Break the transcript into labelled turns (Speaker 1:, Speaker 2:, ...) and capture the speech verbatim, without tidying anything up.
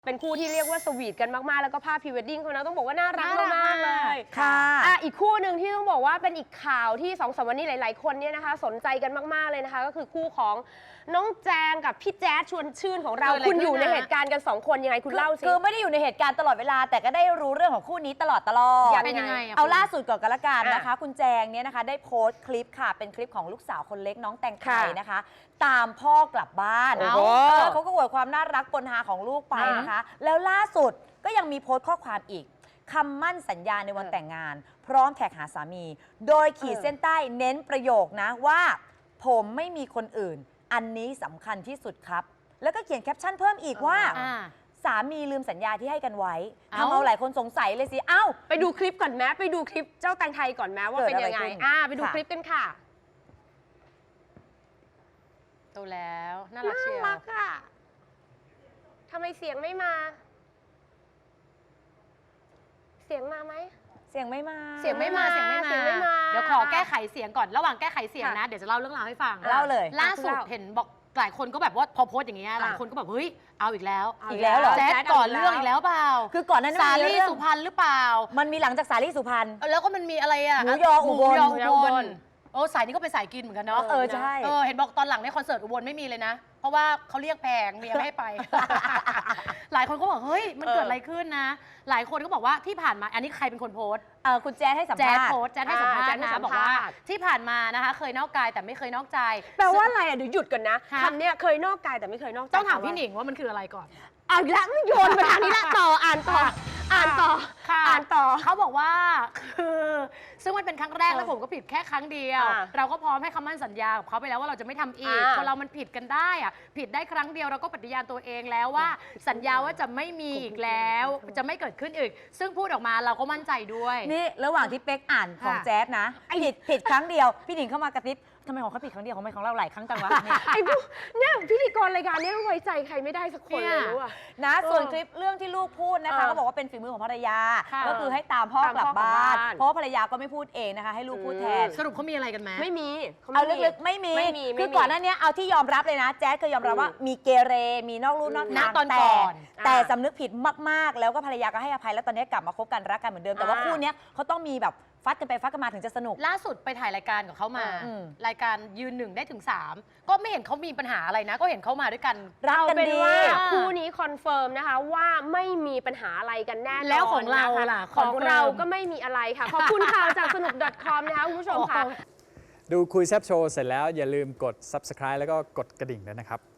Speaker 1: เป็นคู่ที่เรียกว่าสวีทกันมากๆแล้วก็ภาพพรีเวดดิ้งเขานะต้องบอกว่าน่ารักมากๆเลย
Speaker 2: ค่ะ
Speaker 1: อ่ะอีกคู่หนึ่งที่ต้องบอกว่าเป็นอีกข่าวที่สองสามวันนี้หลายๆคนเนี่ยนะคะสนใจกันมากๆเลยนะคะก็คือคู่ของน้องแจงกับพี่แจ๊ดชวนชื่นของเราคุณอยู่ในเหตุการณ์กันสองคนยังไงคุณเล่าสิ
Speaker 2: คือไม่ได้อยู่ในเหตุการณ์ตลอดเวลาแต่ก็ได้รู้เรื่องของคู่นี้ตลอดตลอด
Speaker 1: เป็นยังไง
Speaker 2: เอาล่าสุดก่อนกันละกันนะคะคุณแจงเนี่ยนะคะได้โพสต์คลิปค่ะเป็นคลิปของลูกสาวคนเล็กน้องแตงไทยนะคะตามพ่อกลับบ้านเขาก็อวดความน่ารักปนฮาของลูกไปนะคะแล้วล่าสุดก็ยังมีโพสต์ข้อความอีกคำมั่นสัญญาในวันแต่งงานพร้อมแท็กหาสามีโดยขีดเส้นใต้เน้นประโยคนะว่าผมไม่มีคนอื่นอันนี้สำคัญที่สุดครับแล้วก็เขียนแคปชั่นเพิ่มอีกว่าสามีลืมสัญญาที่ให้กันไว้ทำเอาหลายคนสงสัยเลยสิเอ้า
Speaker 1: ไปดูคลิปก่อนแม้ไปดูคลิปเจ้าแตงไทยก่อนแม้ว่าเป็นยังไงอ่าไปดูคลิปกันค่ะ
Speaker 3: โตแล้วน่ารักเชียว
Speaker 1: น่ารักอ่ะทำไมเสียงไม่มาเสียงมาไหม
Speaker 2: เสียงไม่มา
Speaker 3: เสียงไม่มาเสียงไม่มา
Speaker 1: เสียงไม่มา
Speaker 3: เดี๋ยวขอแก้ไขเสียงก่อนระหว่างแก้ไขเสียงนะเดี๋ยวจะเล่าเรื่องราวให้ฟัง
Speaker 2: เล่าเลย
Speaker 3: ล่าสุดเห็นบอกหลายคนก็แบบว่าพอโพสต์อย่างเงี้ยหลายคนก็แบบเฮ้ยเอาอีกแล้ว
Speaker 2: อีกแล้วเหรอ
Speaker 3: แจ๊ดก่อนเรื่องอีกแล้วเปล่า
Speaker 2: คือก่อนนั้น
Speaker 3: สาลี่สุพรรณหรือเปล่า
Speaker 2: มันมีหลังจากสาลี่สุพรรณ
Speaker 3: แล้วก็มันมีอะไรอะ
Speaker 2: หมูยออุบล
Speaker 3: หมูยออุบลโอ้สายนี้ก็เป็นสายกินเหมือนกันเนาะ
Speaker 2: เออใช่
Speaker 3: เออเห็นบอกตอนหลังในคอนเสิร์ตอุบลไม่มีเลยนะเพราะว่าเขาเรียกแพงเมียไม่ให้ไป หลายคนก็บอกเฮ้ยมันเกิดอะไรขึ้นนะหลายคนก็บอกว่าที่ผ่านมาอันนี้ใครเป็นคนโพสต์
Speaker 2: เออคุณแจ๊ดให้สัม
Speaker 3: แจ๊
Speaker 2: ภา
Speaker 3: ด
Speaker 2: ษณ์
Speaker 3: โพสต์แจ๊ดให้สัมภาษณ์นะบอกว่าที่ผ่านมานะคะเคยนอกกายแต่ไม่เคยนอกใจ
Speaker 1: แปลว่าอะไรอ่ะเดี๋ยวหยุดก่อนนะ
Speaker 3: ฮะ
Speaker 1: คำเนี้ยเคยนอกกายแต่ไม่เคยนอกใจ
Speaker 3: ต้องถามพี่หนิงว่ามันคืออะไรก่อน
Speaker 1: เอาอีกแล้วโยนมาทางนี้ละต่ออ่านต่ออ่านต่อ
Speaker 3: ค่ะ
Speaker 1: อ่านต่อ
Speaker 3: เขาบอกว่าคือซึ่งมันเป็นครั้งแรกแล้วผมก็ผิดแค่ครั้งเดียว
Speaker 1: อ่า
Speaker 3: เราก็พร้อมให้คำมั่นสัญญากับเขาไปแล้วว่าเราจะไม่ทำอีก
Speaker 1: อ่า
Speaker 3: คนเรามันผิดกันได้อะผิดได้ครั้งเดียวเราก็ปฏิญาณตัวเองแล้วว่าสัญญาว่าจะไม่มีอีกแล้วจะไม่เกิดขึ้นอีกซึ่งพูดออกมาเราก็มั่นใจด้วย
Speaker 2: นี่ระหว่างที่เป๊กอ่านของ
Speaker 3: ค่ะ
Speaker 2: แจ๊ดนะผิดผิดครั้งเดียวพี่หนิงเข้ามากระซิบทำไมของเขาผิดครั้งเดียวของไม่ของเราหลายครั้งจังวะนี่
Speaker 1: ไอ้พวกเนี่ยพิธีกรรายการเนี้ไว้ใจใครไม่ได้สักคนเลยรู้อ่ะ
Speaker 2: นะส่วน
Speaker 1: เออ
Speaker 2: คลิปเรื่องที่ลูกพูดนะคะ
Speaker 1: เออ
Speaker 2: ก็บอกว่าเป็นฝีมือของภรรยา
Speaker 3: ค่ะ
Speaker 2: ก็คือให้ตามพ่อกลับ
Speaker 1: ตามพ่อกลับ
Speaker 2: บ้าน
Speaker 1: บ้าน
Speaker 2: เพราะว่าภรรยาก็ไม่พูดเองนะคะให้ลูกพูดแทน
Speaker 3: สรุปเขามีอะไรกันไหม
Speaker 1: ไม่มีข
Speaker 2: เอา
Speaker 1: ไม่มี
Speaker 2: ลึกๆไม่มี
Speaker 1: ไม่มี
Speaker 2: คือ
Speaker 1: ไม่มี
Speaker 2: ก่อนหน้านี้เอาที่ยอมรับเลยนะแจ๊ดเคยยอมรับว่า
Speaker 1: อืม
Speaker 2: มีเกเรมีนอกลู่นอก
Speaker 3: ณ
Speaker 2: ทาง
Speaker 3: ตอน
Speaker 2: แต่
Speaker 3: ก่อน
Speaker 2: แต่
Speaker 1: อ่า
Speaker 2: สำนึกผิดมากๆ แล้วก็ภรรยาก็ให้อภัยแล้วตอนนี้กลับมาคบกันรักกันเหมือนเดิมแต่ว่า
Speaker 1: อ่า
Speaker 2: คู่เนี้ยเขาต้องมีแบบฟัดกันไปฟัดกันมาถึงจะสนุก
Speaker 3: ล่าสุดไปถ่ายรายการกับเขามา
Speaker 2: อืม
Speaker 3: รายการยืนหนึ่งได้ถึงสามก็ไม่เห็นเขามีปัญหาอะไรนะ ก็เห็นเขามาด้วยกัน
Speaker 2: รัก
Speaker 1: เอา
Speaker 2: กัน
Speaker 1: เป็น
Speaker 2: ดี
Speaker 1: ว่าคู่นี้คอนเฟิร์มนะคะว่าไม่มีปัญหาอะไรกันแน่นอน
Speaker 3: แล้วของเรา
Speaker 1: นะคะ
Speaker 3: ล่ะ
Speaker 1: ของ
Speaker 3: คอนเฟิร์ม
Speaker 1: เราก็ไม่มีอะไรค่ะ ขอบคุณข่าวจากสนุก .com นะคะคุณผู้ชมค่ะ
Speaker 4: ดูคุยแซบโชว์เสร็จแล้วอย่าลืมกด ซับสไครบ์ แล้วก็กดกระดิ่งด้วยนะครับ